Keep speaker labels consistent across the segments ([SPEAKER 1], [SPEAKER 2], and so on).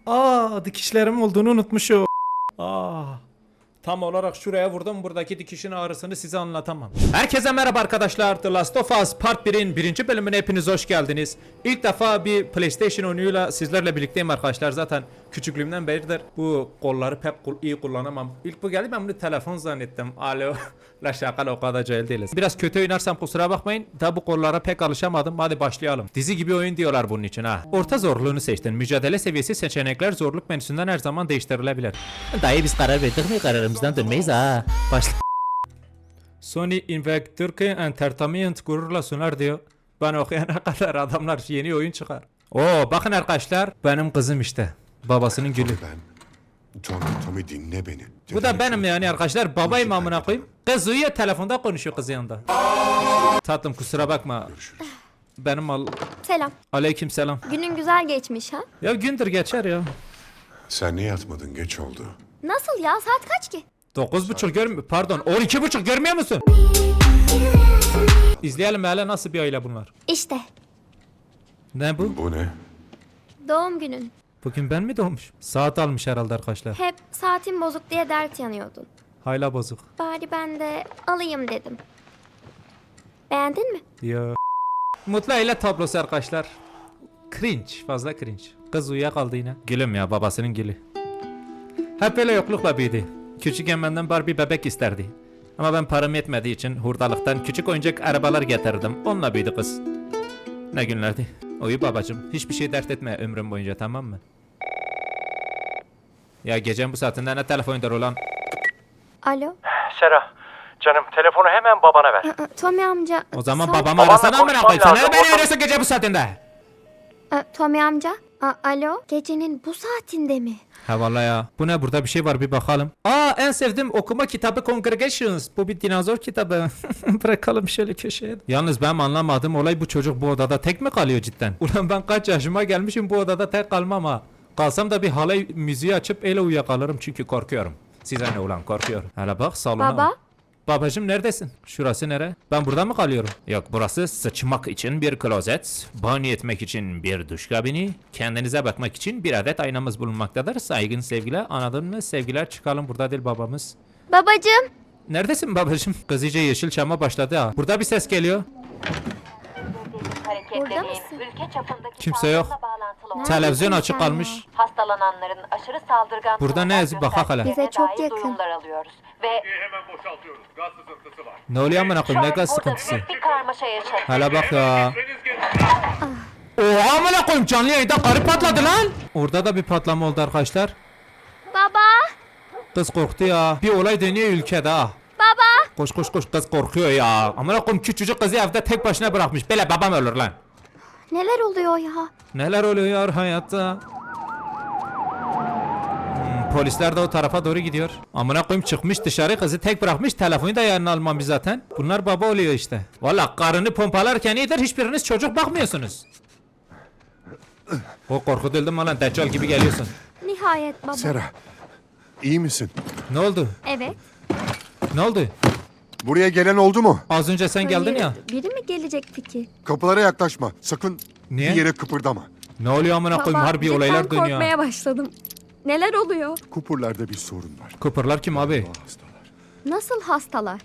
[SPEAKER 1] Aa, dikişlerim olduğunu unutmuşum. Aa. Tam olarak şuraya vurdum. Buradaki dikişin ağrısını size anlatamam. Herkese merhaba arkadaşlar. The Last of Us Part 1'in 1. bölümüne hepiniz hoş geldiniz. İlk defa bir PlayStation oyunuyla sizlerle birlikteyim arkadaşlar. Zaten küçüklüğümden beridir bu kolları pek iyi kullanamam. İlk bu geldi, ben bunu telefon zannettim. Alo. La şaka, o kadar cahil değiliz. Biraz kötü oynarsam kusura bakmayın. Da bu kollara pek alışamadım. Hadi başlayalım. Dizi gibi oyun diyorlar bunun için ha. Orta zorluğunu seçtin. Mücadele seviyesi seçenekler zorluk menüsünden her zaman değiştirilebilir.
[SPEAKER 2] Dayı biz karar verdik mi? Kararımızdan dönmeyiz ha. Başla.
[SPEAKER 1] Sony Invector Entertainment gururla sunar diyor. Ben okuyana kadar adamlar yeni oyun çıkar. Oo, bakın arkadaşlar, benim kızım işte. Babasının gülü.
[SPEAKER 3] Tommy dinle beni.
[SPEAKER 1] Bu da benim yani arkadaşlar, babayım amına koyayım. Kız uyuyor, telefonda konuşuyor kız yanında. Tatlım kusura bakma.
[SPEAKER 3] Görüşürüz.
[SPEAKER 1] Benim
[SPEAKER 4] Selam.
[SPEAKER 1] aleyküm selam.
[SPEAKER 4] Günün güzel geçmiş ha?
[SPEAKER 1] Ya gündür geçer ya.
[SPEAKER 3] Sen niye yatmadın? Geç oldu.
[SPEAKER 4] Nasıl ya? Saat kaç ki?
[SPEAKER 1] 9.30 görmüyor, pardon 12.30 görmüyor musun? İzleyelim hele, nasıl bir aile bunlar.
[SPEAKER 4] İşte.
[SPEAKER 1] Ne bu?
[SPEAKER 3] Bu ne?
[SPEAKER 4] Doğum günün.
[SPEAKER 1] Bugün ben mi doğmuş? Saat almış herhalde arkadaşlar.
[SPEAKER 4] Hep saatin bozuk diye dert yanıyordun.
[SPEAKER 1] Hayla bozuk.
[SPEAKER 4] Bari ben de alayım dedim. Beğendin mi?
[SPEAKER 1] Ya. Mutlu aile tablosu arkadaşlar. Cringe, fazla cringe. Kız uyuyakaldı yine. Gülüm ya, babasının gülü. Hep böyle yoklukla büyüdü. Küçükken benden Barbie bebek isterdi. Ama ben param yetmediği için hurdalıktan küçük oyuncak arabalar getirdim. Onunla büyüdü kız. Ne günlerdi. Uyu babacım. Hiçbir şey dert etme ömrüm boyunca, tamam mı? Ya gecenin bu saatinde ne telefondur ulan?
[SPEAKER 4] Alo.
[SPEAKER 5] Sera, canım telefonu hemen babana ver.
[SPEAKER 4] Tommy amca.
[SPEAKER 1] O zaman
[SPEAKER 4] sen-
[SPEAKER 1] babamı arasana amına
[SPEAKER 5] konuşmam
[SPEAKER 1] koyayım. Sen
[SPEAKER 5] lazım,
[SPEAKER 1] ne beni
[SPEAKER 5] orada-
[SPEAKER 1] arıyorsun gece bu saatinde?
[SPEAKER 4] Tommy amca. Alo. Gecenin bu saatinde mi?
[SPEAKER 1] Ha vallahi ya. Bu ne, burada bir şey var, bir bakalım. Aa, en sevdiğim okuma kitabı Congregations. Bu bir dinozor kitabı. Bırakalım şöyle köşeye. Yalnız ben anlamadım olay, bu çocuk bu odada tek mi kalıyor cidden? Ulan ben kaç yaşıma gelmişim, bu odada tek kalmam ha. Kalsam da bir halay müziği açıp ele uyuyakalırım çünkü korkuyorum. Size ne ulan, korkuyorum. Hele bak salona.
[SPEAKER 4] Baba.
[SPEAKER 1] Babacım neredesin? Şurası nere? Ben burada mı kalıyorum? Yok, burası sıçmak için bir klozet, banyo etmek için bir duş kabini, kendinize bakmak için bir adet aynamız bulunmaktadır. Saygın sevgiler, anladın mı? Sevgiler, çıkalım, burada değil babamız.
[SPEAKER 4] Babacım.
[SPEAKER 1] Neredesin babacım? Kız iyice Yeşilçam'a başladı ha. Burada bir ses geliyor.
[SPEAKER 4] Burada mısın?
[SPEAKER 6] Ülke çapındaki
[SPEAKER 1] Kimse yok.
[SPEAKER 6] salgınla bağlantılı olan
[SPEAKER 1] Televizyon
[SPEAKER 4] sen
[SPEAKER 1] açık
[SPEAKER 4] ya?
[SPEAKER 1] kalmış.
[SPEAKER 6] hastalananların aşırı saldırgan
[SPEAKER 1] Burada ne
[SPEAKER 6] tavırlar
[SPEAKER 1] yazıyor? Bak hala.
[SPEAKER 6] gösterdiklerine
[SPEAKER 4] Bize çok
[SPEAKER 6] dair
[SPEAKER 4] yakın.
[SPEAKER 6] duyumlar alıyoruz. Ve
[SPEAKER 5] Hemen boşaltıyoruz. Gaz sızıntısı var.
[SPEAKER 1] Ne oluyor amına
[SPEAKER 6] şu
[SPEAKER 1] koyayım,
[SPEAKER 6] an
[SPEAKER 1] ne gaz
[SPEAKER 6] burada
[SPEAKER 1] sıkıntısı?
[SPEAKER 6] büyük bir karmaşa yaşanıyor.
[SPEAKER 1] Hala bak ya.
[SPEAKER 5] Deniz gelin.
[SPEAKER 1] Oha amına koyayım, canlı yayında karı patladı lan. Orada da bir patlama oldu arkadaşlar.
[SPEAKER 4] Baba.
[SPEAKER 1] Kız korktu ya. Bir olay dönüyor ülkede ha.
[SPEAKER 4] Baba.
[SPEAKER 1] Koş koş koş, kız korkuyor ya. Amına koyayım, küçücük kızı evde tek başına bırakmış. Böyle babam ölür lan.
[SPEAKER 4] Neler oluyor ya?
[SPEAKER 1] Neler oluyor hayatta? Polisler de o tarafa doğru gidiyor. Amına koyayım, çıkmış dışarı, kızı tek bırakmış, telefonu da yanına almamış zaten. Bunlar baba oluyor işte. Valla karını pompalarken iyidir, hiçbiriniz çocuk bakmıyorsunuz. O korkutuldum lan, Deccal gibi geliyorsun.
[SPEAKER 4] Nihayet baba.
[SPEAKER 3] Sera, iyi misin?
[SPEAKER 1] Ne oldu?
[SPEAKER 4] Evet.
[SPEAKER 1] Ne oldu?
[SPEAKER 3] Buraya gelen oldu mu?
[SPEAKER 1] Az önce sen geldin
[SPEAKER 4] Hayır,
[SPEAKER 1] ya.
[SPEAKER 4] Biri mi gelecekti ki?
[SPEAKER 3] Kapılara yaklaşma. Sakın
[SPEAKER 1] Niye?
[SPEAKER 3] bir yere kıpırdama.
[SPEAKER 1] Ne oluyor amına koyayım, harbi
[SPEAKER 4] cidden
[SPEAKER 1] olaylar dönüyor.
[SPEAKER 4] korkmaya başladım. Neler oluyor?
[SPEAKER 3] Kupurlarda bir sorun var.
[SPEAKER 1] Kıpırlar kim abi?
[SPEAKER 3] Doğal hastalar.
[SPEAKER 4] Nasıl hastalar?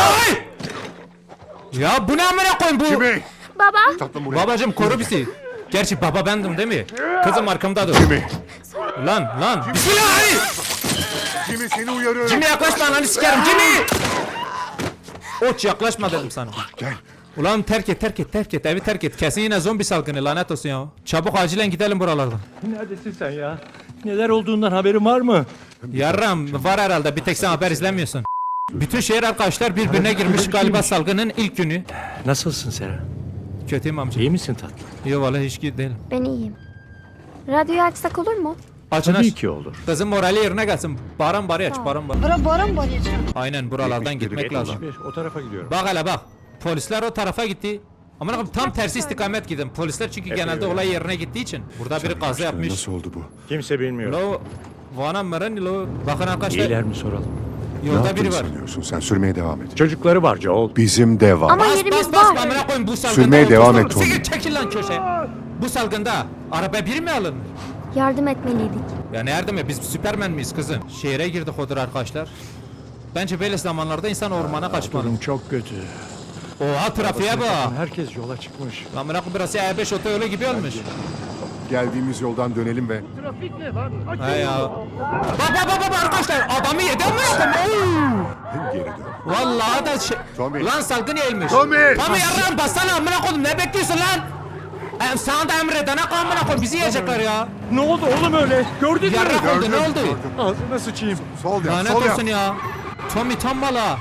[SPEAKER 1] Ya bu ne amına koyayım bu?
[SPEAKER 3] Jimmy!
[SPEAKER 4] Baba.
[SPEAKER 3] Tatlım buraya.
[SPEAKER 1] Babacım koru bizi. Gerçi baba bendim değil mi? Kızım arkamda dur.
[SPEAKER 3] Jimmy!
[SPEAKER 1] Lan. Bismillah.
[SPEAKER 3] Jimmy seni uyarıyorum.
[SPEAKER 1] Jimmy yaklaşma, ananı sikerim Jimmy. Oç yaklaşma dedim sana.
[SPEAKER 3] Gel.
[SPEAKER 1] Ulan terk et evi terk et. Kesin yine zombi salgını, lanet olsun ya. Çabuk acilen gidelim buralardan.
[SPEAKER 5] Neredesin sen ya? Neler olduğundan haberin var mı?
[SPEAKER 1] Yarram var herhalde, bir tek sen haber izlemiyorsun. Bütün şehir arkadaşlar birbirine girmiş galiba salgının ilk günü.
[SPEAKER 5] Nasılsın Sera?
[SPEAKER 1] Kötüyüm amca.
[SPEAKER 5] İyi misin tatlım?
[SPEAKER 1] Yok vallahi hiç iyi değilim.
[SPEAKER 4] Ben iyiyim. Radyoyu açsak olur mu?
[SPEAKER 1] Açın
[SPEAKER 5] Tabii
[SPEAKER 1] aç.
[SPEAKER 5] ki olur.
[SPEAKER 1] Kızın morali yerine gelsin. Baran bari aç, baran bari. Aynen, buralardan gitmek lazım.
[SPEAKER 5] O tarafa gidiyorum.
[SPEAKER 1] Bak hele bak. Polisler o tarafa gitti. Ama tam tersi istikamet gidin. Polisler çünkü genelde olay yerine gittiği için. Burada biri kaza yapmış.
[SPEAKER 3] Nasıl oldu bu?
[SPEAKER 5] Kimse bilmiyor.
[SPEAKER 1] Lo Vana mırın lo. Bakın arkadaşlar,
[SPEAKER 5] İyiler mi soralım?
[SPEAKER 3] Ne
[SPEAKER 1] yolda
[SPEAKER 3] yaptığını
[SPEAKER 1] biri var.
[SPEAKER 3] sanıyorsun? Sen sürmeye devam et.
[SPEAKER 5] Çocukları var Joel.
[SPEAKER 3] Bizim de var.
[SPEAKER 4] Ama
[SPEAKER 1] Bas
[SPEAKER 4] yerimiz
[SPEAKER 1] bas
[SPEAKER 4] var.
[SPEAKER 1] amına koyayım, bu salgında.
[SPEAKER 3] Sürmeye devam
[SPEAKER 1] otostop-
[SPEAKER 3] et Tony.
[SPEAKER 1] Siktir, çekil lan köşeye. Bu salgında araba biri mi alınır?
[SPEAKER 4] Yardım etmeliydik.
[SPEAKER 1] Ya ne yardım ya, biz Süpermen miyiz kızım? Şehre girdik odur arkadaşlar. Bence böyle zamanlarda insan ormana kaçmalı.
[SPEAKER 5] Durum çok kötü.
[SPEAKER 1] Oha trafiğe bak.
[SPEAKER 5] Herkes yola çıkmış.
[SPEAKER 1] Lan bırak burası E5 otoyolu gibi olmuş.
[SPEAKER 3] Geldiğimiz yoldan dönelim ve
[SPEAKER 5] Trafik
[SPEAKER 1] He ya. Bak arkadaşlar, adamı yedi ama
[SPEAKER 3] geri dön.
[SPEAKER 1] vallahi da şey.
[SPEAKER 3] Tommy.
[SPEAKER 1] Lan salgın eğilmiş.
[SPEAKER 3] Tommy.
[SPEAKER 1] Tommy yarram bassana amına koydum, ne bekliyorsun lan? Sana da emredene amına koy, bizi yiyecekler ya.
[SPEAKER 5] Ne oldu oğlum öyle? Gördün mü?
[SPEAKER 1] Yarrak oldu, ne
[SPEAKER 3] Gördüm,
[SPEAKER 1] oldu?
[SPEAKER 3] gördüm.
[SPEAKER 5] Ağzına sıçayım.
[SPEAKER 3] Sol yap,
[SPEAKER 1] Lanet
[SPEAKER 3] sol yap.
[SPEAKER 1] olsun ya. Tommy tam mala.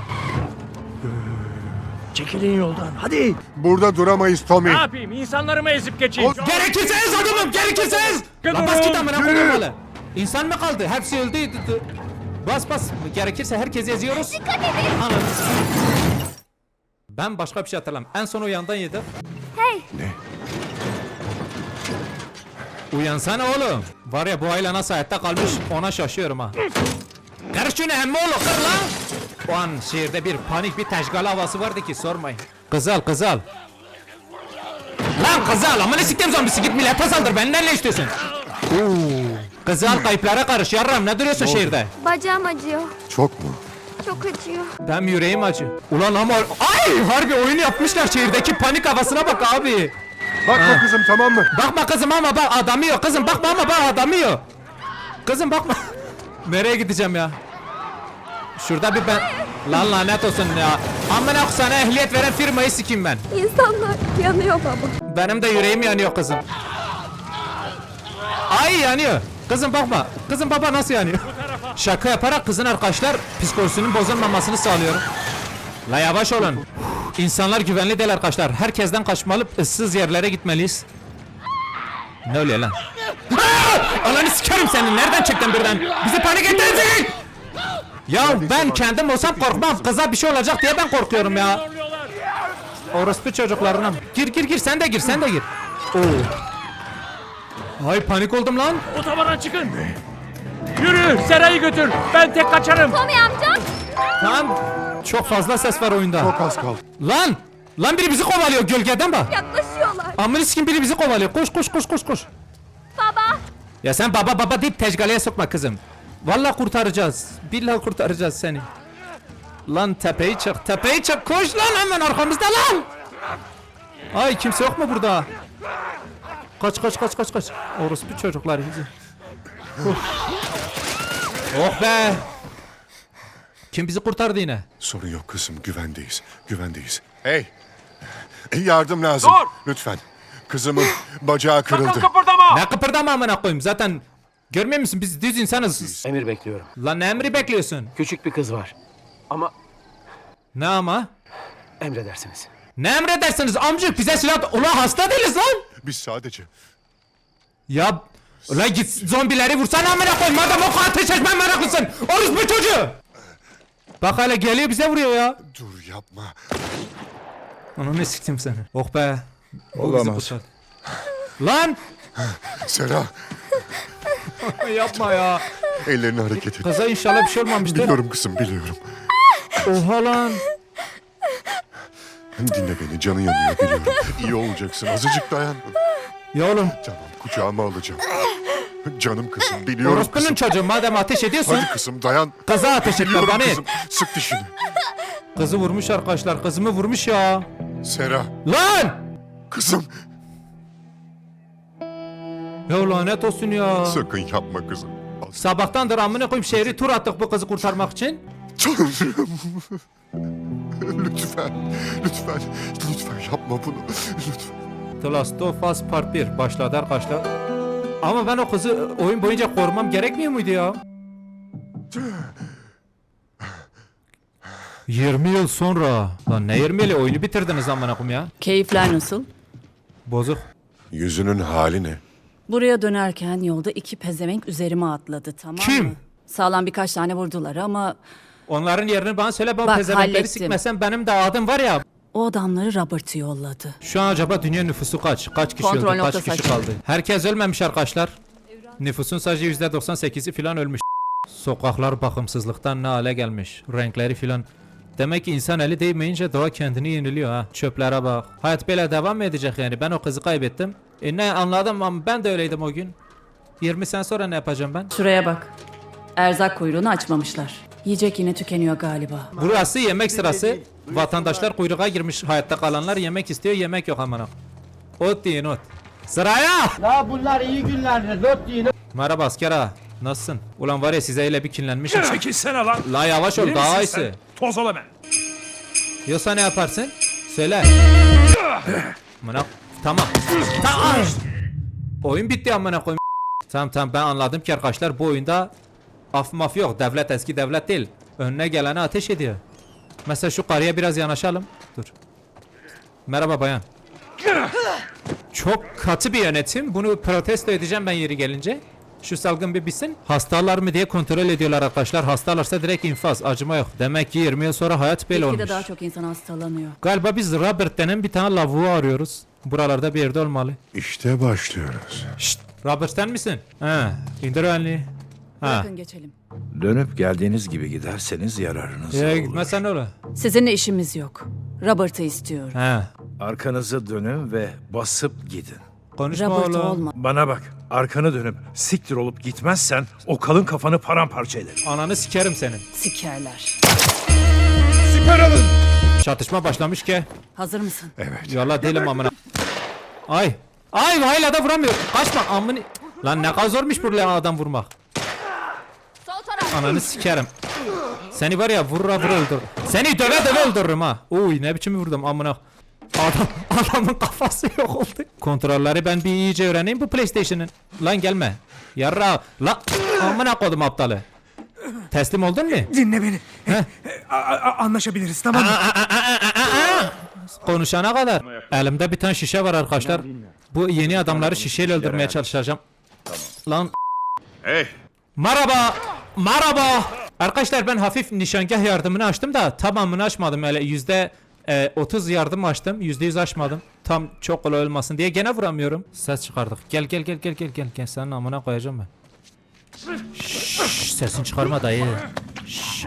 [SPEAKER 5] Çekilin yoldan. Hadi.
[SPEAKER 3] Burada duramayız Tommy.
[SPEAKER 5] Ne yapayım? İnsanlarımı ezip geçeyim.
[SPEAKER 1] Gerekirse ez adamım, gerekirse ez. Lan bas git amına koydum malı. İnsan mı kaldı? Hepsi öldü. Bas. Gerekirse herkesi eziyoruz. Dikkat edin. Anladın. Ben başka bir şey hatırlamam. En son uyandan yedim.
[SPEAKER 4] Hey,
[SPEAKER 1] Uyansana oğlum. Var ya, bu aile nasıl hayatta kalmış ona şaşıyorum ha. Kır şunu emmi oğlu, kır lan. O an şehirde bir panik, bir teşgal havası vardı ki sormayın. Kızal. Lan kızal, amına siktim zombisi, git millete saldır, benden ne istiyorsun? Kızal kayıplara karış yarram, ne duruyorsun şehirde?
[SPEAKER 4] bacağım acıyor.
[SPEAKER 3] Çok mu?
[SPEAKER 4] Çok acıyor.
[SPEAKER 1] Benim yüreğim acı. Ulan ama ay harbi oyun yapmışlar, şehirdeki panik havasına bak abi.
[SPEAKER 3] Bakma kızım, tamam mı?
[SPEAKER 1] Bakma kızım ama bak adamı yok. Kızım bakma ama bak adamı yok. Kızım bakma. Nereye gideceğim ya? Şurada bir ben... Lan lanet olsun ya. Amına sana ehliyet veren firmayı sikeyim ben.
[SPEAKER 4] İnsanlar yanıyor baba.
[SPEAKER 1] Benim de yüreğim yanıyor kızım. Ay yanıyor. Kızım bakma. Kızım baba nasıl yanıyor? Şaka yaparak kızın arkadaşlar psikolojisinin bozulmamasını sağlıyorum. La yavaş olun. İnsanlar güvenli değil arkadaşlar. Herkesten kaçmalı, ıssız yerlere gitmeliyiz. Ne oluyor lan? Ananı sikerim senin. Nereden çıktın birden? Bizi panik ettirecek. Ya ben kendim olsam korkmam. Kıza bir şey olacak diye ben korkuyorum ya. Orospu çocuklarına. Gir sen de gir. Oo. Ay panik oldum lan.
[SPEAKER 5] Otobana çıkın. Yürü Sera'yı götür. Ben tek kaçarım.
[SPEAKER 4] Tommy amca.
[SPEAKER 1] Tamam. Çok fazla ses var oyunda.
[SPEAKER 3] Çok az kaldı.
[SPEAKER 1] Lan biri bizi kovalıyor gölgeden bak.
[SPEAKER 4] Yaklaşıyorlar.
[SPEAKER 1] Amına sikim biri bizi kovalıyor. Koş.
[SPEAKER 4] Baba.
[SPEAKER 1] Ya sen baba deyip tecgaleye sokma kızım. Vallahi kurtaracağız. Billahi kurtaracağız seni. Lan tepeyi çık. Koş lan, hemen arkamızda lan. Ay kimse yok mu burada? Kaç. Orospu çocuklar bizi. Oh be. Kim bizi kurtardı yine?
[SPEAKER 3] Sorun yok kızım, güvendeyiz. Hey! Yardım lazım.
[SPEAKER 5] Dur!
[SPEAKER 3] Lütfen. Kızımın bacağı kırıldı.
[SPEAKER 1] Ne kıpırdama amına koyayım, zaten görmüyor musun biz düz insanız.
[SPEAKER 7] Emir bekliyorum.
[SPEAKER 1] Lan ne emri bekliyorsun?
[SPEAKER 7] Küçük bir kız var. Ama
[SPEAKER 1] Ne ama?
[SPEAKER 7] emredersiniz.
[SPEAKER 1] Ne emredersiniz amcık, bize silah... Ulan hasta değiliz lan.
[SPEAKER 3] Biz sadece...
[SPEAKER 1] Ya ulan git zombileri vursana amına koyayım, madem o kadar ateş etmen meraklısın. Orospu çocuğu. Bak hala geliyor bize vuruyor ya.
[SPEAKER 3] Dur yapma.
[SPEAKER 1] Onu ne siktim seni. Oh be.
[SPEAKER 3] Olamaz.
[SPEAKER 1] Lan.
[SPEAKER 3] Sera,
[SPEAKER 1] Yapma ya.
[SPEAKER 3] ellerini hareket et.
[SPEAKER 1] Kaza inşallah bir şey olmamıştır.
[SPEAKER 3] Biliyorum kızım, biliyorum.
[SPEAKER 1] Oha lan.
[SPEAKER 3] Dinle beni, canın yanıyor biliyorum. İyi olacaksın, azıcık dayan.
[SPEAKER 1] Ya oğlum.
[SPEAKER 3] Tamam, kucağıma alacağım. Canım kızım, biliyorum
[SPEAKER 1] Orospunun
[SPEAKER 3] kızım.
[SPEAKER 1] çocuğu, madem ateş ediyorsun.
[SPEAKER 3] Hadi kızım dayan.
[SPEAKER 1] Kaza ateş etme
[SPEAKER 3] Biliyorum
[SPEAKER 1] bana et.
[SPEAKER 3] kızım, sık dişini.
[SPEAKER 1] Kızı vurmuş arkadaşlar, kızımı vurmuş ya.
[SPEAKER 3] Sera,
[SPEAKER 1] Lan.
[SPEAKER 3] kızım.
[SPEAKER 1] Ya lanet olsun ya.
[SPEAKER 3] Sakın yapma kızım.
[SPEAKER 1] Sabahtandır amına koyayım şehri tur attık bu kızı kurtarmak için.
[SPEAKER 3] Tanrım. Lütfen yapma bunu. Lütfen.
[SPEAKER 1] The Last of Us Part 1 başladı arkadaşlar. Ama ben o kızı oyun boyunca korumam gerekmiyor muydu ya? 20 yıl sonra. Lan ne 20 yılı, oyunu bitirdiniz amına koyayım ya.
[SPEAKER 8] Keyifler nasıl?
[SPEAKER 1] Bozuk.
[SPEAKER 3] Yüzünün hali ne?
[SPEAKER 8] Buraya dönerken yolda iki pezevenk üzerime atladı, tamam
[SPEAKER 1] Kim?
[SPEAKER 8] mı? Sağlam birkaç tane vurdular ama
[SPEAKER 1] Onların yerini bana söyle, ben
[SPEAKER 8] Bak,
[SPEAKER 1] pezevenkleri
[SPEAKER 8] hallettim.
[SPEAKER 1] sikmesem benim de adım var ya.
[SPEAKER 8] o adamları Robert'ı yolladı.
[SPEAKER 1] Şu an acaba dünya nüfusu kaç? Kaç kişi
[SPEAKER 8] Kontrol
[SPEAKER 1] öldü? Kaç
[SPEAKER 8] noktası
[SPEAKER 1] kişi
[SPEAKER 8] açık.
[SPEAKER 1] kaldı? Herkes ölmemiş arkadaşlar. Nüfusun sadece %98'i filan ölmüş. Sokaklar bakımsızlıktan ne hale gelmiş. Renkleri filan. Demek ki insan eli değmeyince doğa kendini yeniliyor ha. Çöplere bak. Hayat böyle devam mı edecek yani? Ben o kızı kaybettim. Ne anladım ama ben de öyleydim o gün. 20 sene sonra ne yapacağım ben?
[SPEAKER 8] Şuraya bak. Erzak kuyruğunu açmamışlar. Yiyecek yine tükeniyor galiba.
[SPEAKER 1] Burası yemek sırası. Vatandaşlar kuyruğa girmiş, hayatta kalanlar yemek istiyor, yemek yok amına. Ot deyin ot. Sıraya!
[SPEAKER 5] La bunlar iyi günlerdir. Lot yiyin.
[SPEAKER 1] Merhaba asker ağa. Nasılsın? Ulan var ya size öyle bir kinlenmişim.
[SPEAKER 5] Çekilsene lan.
[SPEAKER 1] La yavaş ol
[SPEAKER 5] Deli
[SPEAKER 1] daha
[SPEAKER 5] misin
[SPEAKER 1] iyisi.
[SPEAKER 5] sen? Toz ol hemen.
[SPEAKER 1] Yoksa ne yaparsın? Söyle. Amına tamam. Tamam. Oyun bitti amına koyayım. Tamam ben anladım ki arkadaşlar bu oyunda af maf yok. Devlet eski devlet değil. Önüne gelene ateş ediyor. Mesela şu karıya biraz yanaşalım. Dur. Merhaba bayan. Çok katı bir yönetim. Bunu protesto edeceğim ben yeri gelince. Şu salgın bir bitsin. Hastalar mı diye kontrol ediyorlar arkadaşlar. Hastalarsa direkt infaz. Acıma yok. Demek ki 20 yıl sonra hayat böyle
[SPEAKER 8] Belki
[SPEAKER 1] olmuş.
[SPEAKER 8] de daha çok insan hastalanıyor.
[SPEAKER 1] Galiba biz Robert denen bir tane lavuğu arıyoruz. Buralarda bir yerde olmalı.
[SPEAKER 3] İşte başlıyoruz.
[SPEAKER 1] Şşt, Robert sen misin? He, indir elini. Ha.
[SPEAKER 8] Bırakın geçelim.
[SPEAKER 9] Dönüp geldiğiniz gibi giderseniz yararınıza olur.
[SPEAKER 1] Gitmezsen ne olur?
[SPEAKER 8] Sizinle işimiz yok. Robert'ı istiyorum.
[SPEAKER 1] He.
[SPEAKER 9] Arkanızı dönün ve basıp gidin.
[SPEAKER 1] Konuşma
[SPEAKER 8] Robert
[SPEAKER 1] oğlum.
[SPEAKER 8] olma.
[SPEAKER 9] Bana bak, arkanı dönüp siktir olup gitmezsen o kalın kafanı paramparça ederim.
[SPEAKER 1] Ananı sikerim senin.
[SPEAKER 8] Sikerler.
[SPEAKER 1] Çatışma başlamış ki.
[SPEAKER 8] Hazır mısın?
[SPEAKER 1] Yallah değilim amına. Ay. Ay hala da vuramıyor. Kaçma amını. Lan ne kadar zormuş buraya adam vurmak. Ananı sikerim. Seni var ya vurra vurra öldür. Seni döve döve öldürürüm ha. Uy ne biçim vurdum amına. Adamın kafası yok oldu. Kontrolleri ben bir iyice öğreneyim bu PlayStation'ın. Lan gelme. Yarra. Lan amına koydum aptalı. Teslim oldun mu?
[SPEAKER 5] Dinle beni. Anlaşabiliriz tamam mı?
[SPEAKER 1] Konuşana kadar. Elimde bir tane şişe var arkadaşlar. Bu yeni adamları şişeyle öldürmeye çalışacağım. Lan.
[SPEAKER 3] Hey,
[SPEAKER 1] Merhaba. Merhaba. Arkadaşlar ben hafif nişangah yardımını açtım da tamamını açmadım. Öyle %30 yardım açtım. %100 açmadım. Tam çok kolay olmasın diye gene vuramıyorum. Ses çıkardık. Gel senin amına koyacağım ben. Şşş, sesini çıkarma dayı. Şşş.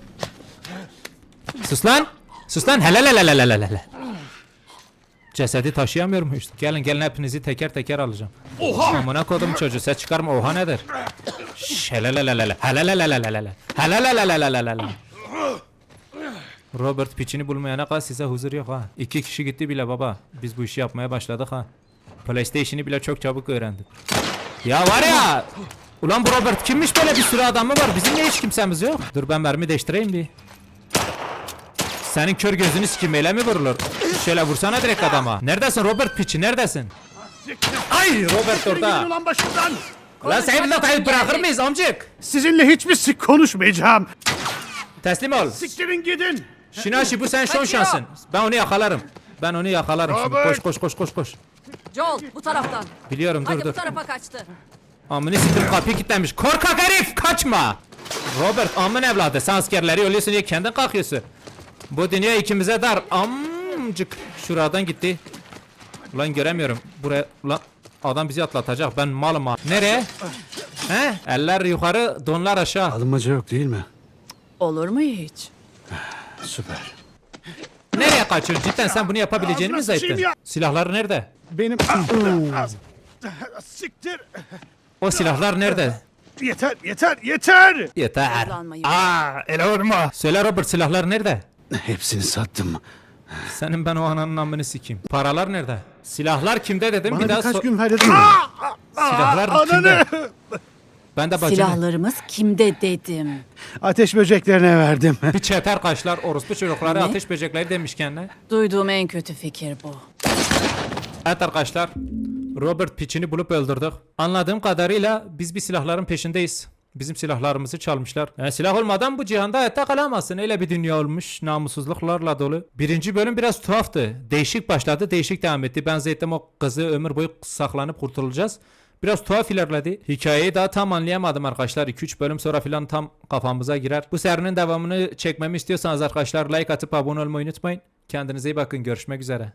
[SPEAKER 1] Sus lan. Sus lan. Hele. Cesedi taşıyamıyor muyuz? Gelin hepinizi teker teker alacağım. Oha! Amına kodum çocuğu ses çıkarma oha nedir? Şşş, hele. Robert piçini bulmayana kadar size huzur yok ha. 2 kişi gitti bile baba. Biz bu işi yapmaya başladık ha. PlayStation'ı bile çok çabuk öğrendik. Ya var ya. Ulan bu Robert kimmiş böyle bir sürü adamı var. Bizim niye hiç kimsemiz yok? Dur ben mermi değiştireyim bir. Senin kör gözünü sikim öyle mi vurulur? Şöyle vursana direkt adama. Neredesin Robert piçi neredesin? Ay Robert orada.
[SPEAKER 5] Ulan başımdan.
[SPEAKER 1] Lan seni bir de bırakır mıyız amcık?
[SPEAKER 5] Sizinle hiçbir sik konuşmayacağım.
[SPEAKER 1] Teslim ol.
[SPEAKER 5] Siktirin gidin.
[SPEAKER 1] Şinaşi bu sen son şansın. Ben onu yakalarım. Şimdi. Koş.
[SPEAKER 8] Joel bu taraftan.
[SPEAKER 1] Biliyorum
[SPEAKER 8] Hadi
[SPEAKER 1] dur.
[SPEAKER 8] bu tarafa kaçtı.
[SPEAKER 1] Amını siktir kapıyı kilitlenmiş. Korkak herif kaçma. Robert amın evladı sen askerleri ölüyorsun diye kendin kalkıyorsun. Bu dünya ikimize dar. Amcık. Şuradan gitti. Ulan göremiyorum. Buraya ulan adam bizi atlatacak. Ben malım ha. Nereye? He? Eller yukarı, donlar aşağı.
[SPEAKER 7] Alınmaca yok değil mi?
[SPEAKER 8] Olur mu hiç?
[SPEAKER 7] Süper.
[SPEAKER 1] Nereye kaçıyorsun? Cidden sen bunu yapabileceğini mi zannettin?
[SPEAKER 5] sıçayım ya.
[SPEAKER 1] Silahlar nerede?
[SPEAKER 5] Benim... Siktir.
[SPEAKER 1] O silahlar nerede?
[SPEAKER 5] Yeter.
[SPEAKER 1] Yeter.
[SPEAKER 8] Kullanmayın.
[SPEAKER 5] Ele vurma.
[SPEAKER 1] Söyle Robert silahlar nerede?
[SPEAKER 7] Hepsini sattım.
[SPEAKER 1] Senin ben o ananın amını sikeyim. Paralar nerede? Silahlar kimde dedim
[SPEAKER 5] Bana
[SPEAKER 1] bir daha
[SPEAKER 5] birkaç gün verdin.
[SPEAKER 1] Silahlar kimde? Ben de bacını.
[SPEAKER 8] Silahlarımız kimde dedim.
[SPEAKER 5] Ateş böceklerine verdim.
[SPEAKER 1] Bir çeter kaşlar orospu çocukları
[SPEAKER 8] Ne?
[SPEAKER 1] ateş böcekleri demiş kendine.
[SPEAKER 8] Duyduğum en kötü fikir bu.
[SPEAKER 1] Evet arkadaşlar. Robert piçini bulup öldürdük. Anladığım kadarıyla biz bir silahların peşindeyiz. Bizim silahlarımızı çalmışlar. Yani silah olmadan bu cihanda hayatta kalamazsın. Öyle bir dünya olmuş. Namussuzluklarla dolu. Birinci bölüm biraz tuhaftı. Değişik başladı. Değişik devam etti. Ben zannettim o kızı ömür boyu saklanıp kurtulacağız. Biraz tuhaf ilerledi. Hikayeyi daha tam anlayamadım arkadaşlar. 2-3 bölüm sonra filan tam kafamıza girer. Bu serinin devamını çekmemi istiyorsanız arkadaşlar like atıp abone olmayı unutmayın. Kendinize iyi bakın. Görüşmek üzere.